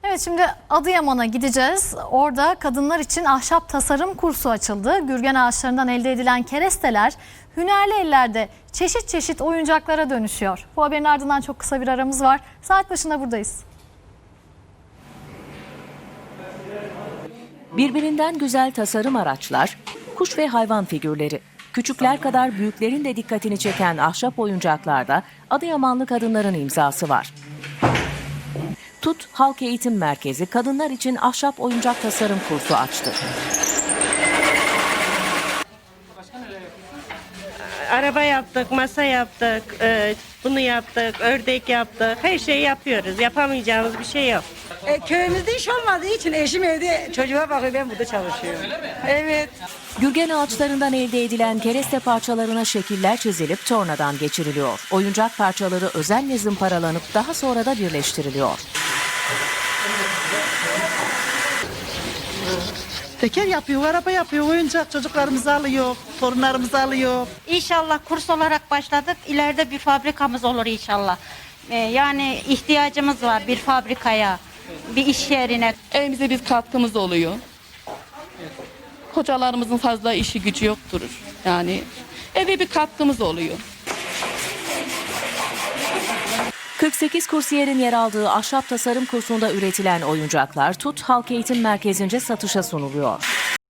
Evet, şimdi Adıyaman'a gideceğiz. Orada kadınlar için ahşap tasarım kursu açıldı. Gürgen ağaçlarından elde edilen keresteler hünerli ellerde çeşit çeşit oyuncaklara dönüşüyor. Bu haberin ardından çok kısa bir aramız var. Saat başında buradayız. Birbirinden güzel tasarım araçlar, kuş ve hayvan figürleri. Küçükler kadar büyüklerin de dikkatini çeken ahşap oyuncaklarda Adıyamanlı kadınların imzası var. TUT Halk Eğitim Merkezi kadınlar için ahşap oyuncak tasarım kursu açtı. Araba yaptık, masa yaptık, bunu yaptık, ördek yaptık. Her şeyi yapıyoruz. Yapamayacağımız bir şey yok. Köyümüzde iş olmadığı için eşim evde çocuğa bakıyor, ben burada çalışıyorum. Evet. Gürgen ağaçlarından elde edilen kereste parçalarına şekiller çizilip tornadan geçiriliyor. Oyuncak parçaları özenle zımparalanıp daha sonra da birleştiriliyor. Teker yapıyor, araba yapıyor, oyuncak çocuklarımızı alıyor, torunlarımızı alıyor. İnşallah kurs olarak başladık. İleride bir fabrikamız olur inşallah. Yani ihtiyacımız var bir fabrikaya, bir iş yerine. Evimize bir katkımız oluyor. Hocalarımızın fazla işi gücü yoktur. Yani eve bir katkımız oluyor. 48 kursiyerin yer aldığı ahşap tasarım kursunda üretilen oyuncaklar TUT Halk Eğitim Merkezi'nce satışa sunuluyor.